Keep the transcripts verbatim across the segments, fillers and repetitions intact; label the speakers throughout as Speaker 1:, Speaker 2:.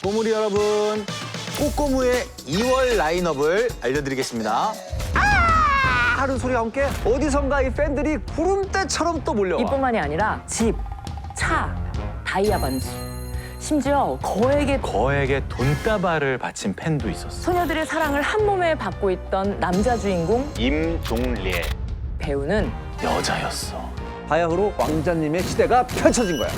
Speaker 1: 꼬물이 여러분, 꼬꼬무의 이월 라인업을 알려드리겠습니다. 아! 하는 소리와 함께 어디선가 이 팬들이 구름대처럼 또 몰려와.
Speaker 2: 이뿐만이 아니라 집, 차, 다이아 반지, 심지어 거액의
Speaker 3: 거액의 돈다발을 바친 팬도 있었어.
Speaker 2: 소녀들의 사랑을 한 몸에 받고 있던 남자 주인공
Speaker 3: 임종례
Speaker 2: 배우는
Speaker 3: 여자였어.
Speaker 1: 바야흐로 왕자님의 시대가 펼쳐진 거야.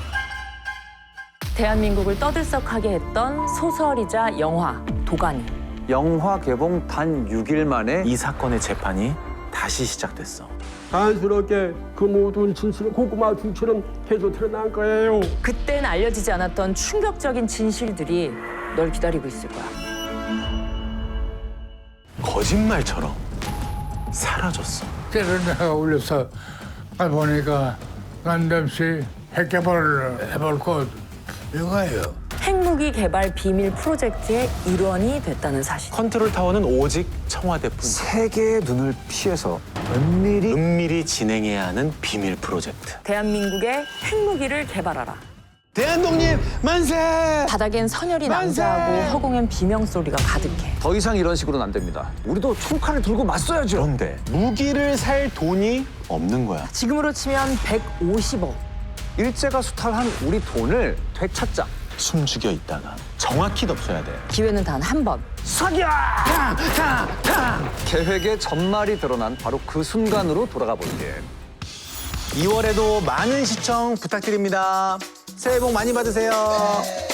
Speaker 2: 대한민국을 떠들썩하게 했던 소설이자 영화 도가니.
Speaker 1: 영화 개봉 단 육 일 만에
Speaker 3: 이 사건의 재판이 다시 시작됐어.
Speaker 4: 자연스럽게 그 모든 진실을 고구마 주처럼 해도 드러난 거예요.
Speaker 2: 그땐 알려지지 않았던 충격적인 진실들이 널 기다리고 있을 거야.
Speaker 3: 거짓말처럼 사라졌어.
Speaker 5: 때를 내가 올려서 아 보니까 난데없이 핵개발을 해볼 것 이거예요.
Speaker 2: 핵무기 개발 비밀 프로젝트의 일원이 됐다는 사실.
Speaker 3: 컨트롤 타워는 오직 청와대뿐.
Speaker 1: 세계의 눈을 피해서 은밀히
Speaker 3: 은밀히 진행해야 하는 비밀 프로젝트.
Speaker 2: 대한민국의 핵무기를 개발하라.
Speaker 3: 대한독립 만세!
Speaker 2: 바닥엔 선열이 낭자하고 허공엔 비명 소리가 가득해.
Speaker 1: 더 이상 이런 식으로는 안 됩니다. 우리도 총칼을 들고 맞서야죠.
Speaker 3: 그런데 무기를 살 돈이 없는 거야.
Speaker 2: 지금으로 치면 백오십억.
Speaker 1: 일제가 수탈한 우리 돈을 되찾자.
Speaker 3: 숨죽여 있다가 정확히 덮쳐야 돼.
Speaker 2: 기회는 단 한 번.
Speaker 1: 사기야! 계획의 전말이 드러난 바로 그 순간으로 돌아가 볼게.
Speaker 3: 이월에도 많은 시청 부탁드립니다. 새해 복 많이 받으세요.